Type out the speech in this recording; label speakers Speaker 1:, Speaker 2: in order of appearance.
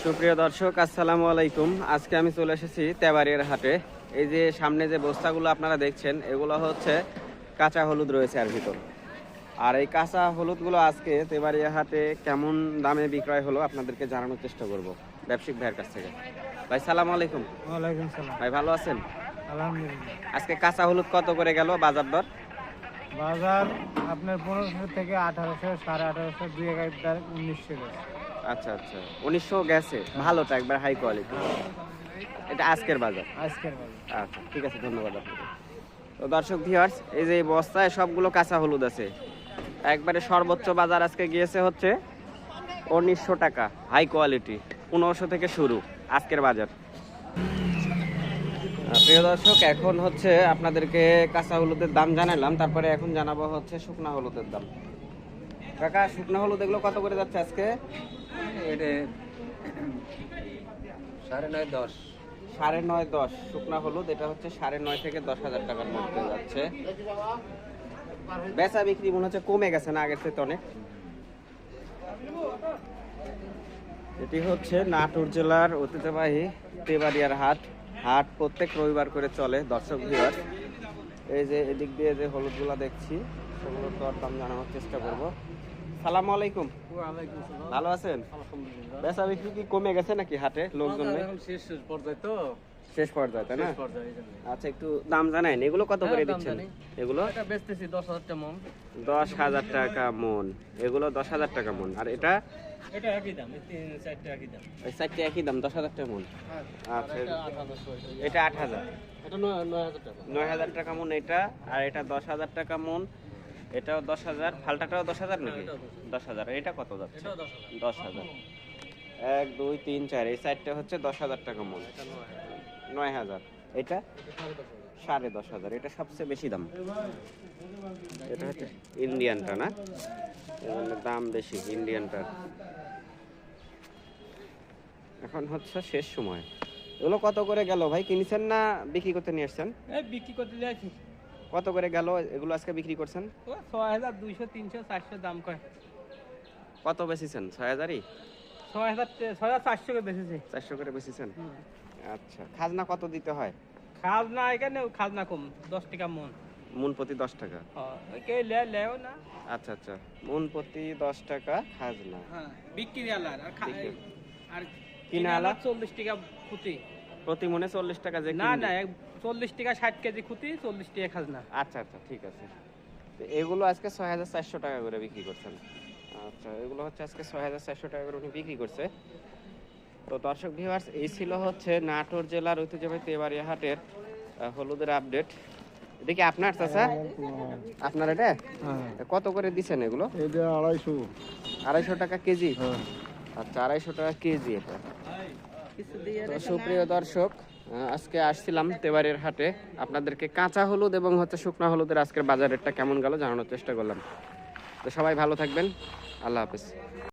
Speaker 1: সুপ্রিয় দর্শক, আসসালামু আলাইকুম। আজকে আমি চলে এসেছি তেবাড়িয়ার হাটে। এই যে সামনে যে বস্তাগুলো আপনারা দেখছেন, এগুলো হচ্ছে কাঁচা হলুদ রয়েছে এর ভিতর। আর এই কাঁচা হলুদগুলো আজকে তেবাড়িয়া হাটে কেমন দামে বিক্রয় হলো আপনাদেরকে জানানোর চেষ্টা করব ব্যবসায়িক ভাইয়ের কাছ থেকে। ভাই সালাম আলাইকুম।
Speaker 2: ওয়ালাইকুম সালাম।
Speaker 1: ভাই ভালো আছেন?
Speaker 2: আলহামদুলিল্লাহ।
Speaker 1: আজকে কাঁচা হলুদ কত করে গেল বাজার দর?
Speaker 2: বাজার আপনার 1500 থেকে 1800, 1850, 2000, 1900 গেছে।
Speaker 1: আচ্ছা আচ্ছা, 1900 গেছে। ভালোটা একবার হাই কোয়ালিটি। এটা আজকের বাজার।
Speaker 2: আজকের বাজার।
Speaker 1: আচ্ছা ঠিক আছে, ধন্যবাদ আপনাকে। তো দর্শক ভিউয়ার্স, এই যে এই বস্তায় সবগুলো কাঁচা হলুদ আছে। একবারে সর্বোচ্চ বাজার আজকে গিয়েছে হচ্ছে 1900 টাকা, হাই কোয়ালিটি। 1500 থেকে শুরু আজকের বাজার। প্রিয় দর্শক, এখন হচ্ছে আপনাদেরকে কাঁচা হলুদের দাম জানালাম, তারপরে এখন জানাবো হচ্ছে শুকনা হলুদের দাম। কাকা, শুকনা হলুদ এগুলো কত করে যাচ্ছে আজকে?
Speaker 3: এটা 9.5 10।
Speaker 1: 9.5 10 শুকনা হলুদ। এটা হচ্ছে 9.5 থেকে 10,000 টাকার মধ্যে যাচ্ছে। বেচা বিক্রি মনে হচ্ছে কমে গেছে না আগের থেকে অনেক। এটি হচ্ছে নাটোর জেলার ঐতিহ্যবাহী তেবাড়িয়ার হাট। হাট প্রত্যেক রবিবার করে চলে। দর্শক ভিউয়ার, এই যে এদিক দিয়ে যে হলুদগুলা দেখছি, সেগুলোর দরদাম জানানোর চেষ্টা করব। সালাম আলাইকুম।
Speaker 2: ওয়ালাইকুম সালাম।
Speaker 1: ভালো আছেন?
Speaker 2: আলহামদুলিল্লাহ।
Speaker 1: বেচা বিক্রি কি কমে গেছে নাকি হাটে লোকজন নেই?
Speaker 2: এখন শেষ পর্যায়ে তো।
Speaker 1: শেষ পর্যায়ে, তাই না?
Speaker 2: শেষ পর্যায়ে এইজন্য।
Speaker 1: আচ্ছা, একটু দাম জানাইন। এগুলো কত করে
Speaker 2: দাম
Speaker 1: দিচ্ছেন?
Speaker 2: জানি।
Speaker 1: এগুলো
Speaker 2: এটা বেচতেছি 10,000 টাকা মন।
Speaker 1: 10,000 টাকা মন। এগুলো 10,000 টাকা মন। আর এটা
Speaker 2: এটা একই দাম, এই 3-4টা একই দাম।
Speaker 1: ওই চারটে একই দাম, 10,000 টাকা মন। আচ্ছা,
Speaker 2: এটা 8,000।
Speaker 1: এটা 8,000।
Speaker 2: এটা 9,000 টাকা।
Speaker 1: 9,000 টাকা মন এটা। আর এটা 10,000 টাকা মন। এটাও 10,000। ফালটাটাও 10,000 নাকি? 10,000। এটা কত যাচ্ছে?
Speaker 2: এটাও 10,000।
Speaker 1: 10,000। 1 2 3 4, এই সাইডটা হচ্ছে 10,000 টাকা মন।
Speaker 2: এটা 9,000।
Speaker 1: 9,000। এটা 10,500। এটা সবচেয়ে বেশি দাম। এটা হচ্ছে ইন্ডিয়ানটা না, এর দাম বেশি ইন্ডিয়ানটার। এখন হচ্ছে শেষ সময়। এগুলো কত করে গেল ভাই? কিনেছেন না বিক্রি করতে নিয়ে আসছেন?
Speaker 2: এই বিক্রি করতে যাচ্ছি।
Speaker 1: কত করে গেল এগুলো আজকে বিক্রি করছেন?
Speaker 2: ও 6,000, 200, 300, 400 দাম কয়।
Speaker 1: কত বেচেছেন? 6,000ই?
Speaker 2: 6,400 করে বেচেছে।
Speaker 1: 400 করে বেচেছেন? আচ্ছা, খাজনা কত দিতে হয়?
Speaker 2: খাজনা এখানে খাজনা কম, 10 টাকা মন।
Speaker 1: মন প্রতি 10 টাকা?
Speaker 2: কে লেও না।
Speaker 1: আচ্ছা আচ্ছা, মন প্রতি 10 টাকা খাজনা।
Speaker 2: হ্যাঁ, বিক্রি আলার আর
Speaker 1: কিনা আলা
Speaker 2: 40 টাকা খুঁতি।
Speaker 1: প্রতি মনে 40 টাকা যে
Speaker 2: না
Speaker 1: কিনবে?
Speaker 2: না, 40 টাকা 60 কেজি খুঁতি, 40 টাকা খাজনা।
Speaker 1: আচ্ছা আচ্ছা, ঠিক আছে। তো এগুলো আজকে 6,400 টাকা করে বিক্রি করছেন? আচ্ছা, এগুলো হচ্ছে আজকে 6,400 টাকা করে উনি বিক্রি করছে। তো দর্শক ভিউয়ার্স, এই ছিল হচ্ছে নাটোর জেলার ঐতিহ্যবাহী তেবাড়িয়া হাটের হলুদের আপডেট। দেখি আপনার চাচা, আপনার এটা কত করে দিচ্ছেন এগুলো?
Speaker 2: এটা 250।
Speaker 1: 250 টাকা কেজি? আচ্ছা, 250 টাকা কেজি এটা। তো সুপ্রিয় দর্শক, আজকে আসছিলাম তেবাড়িয়ার হাটে, আপনাদেরকে কাঁচা হলুদ এবং হচ্ছে শুকনা হলুদের আজকের বাজার রেটটা কেমন গেল জানানোর চেষ্টা করলাম। তো সবাই ভালো থাকবেন, আল্লাহ হাফেজ।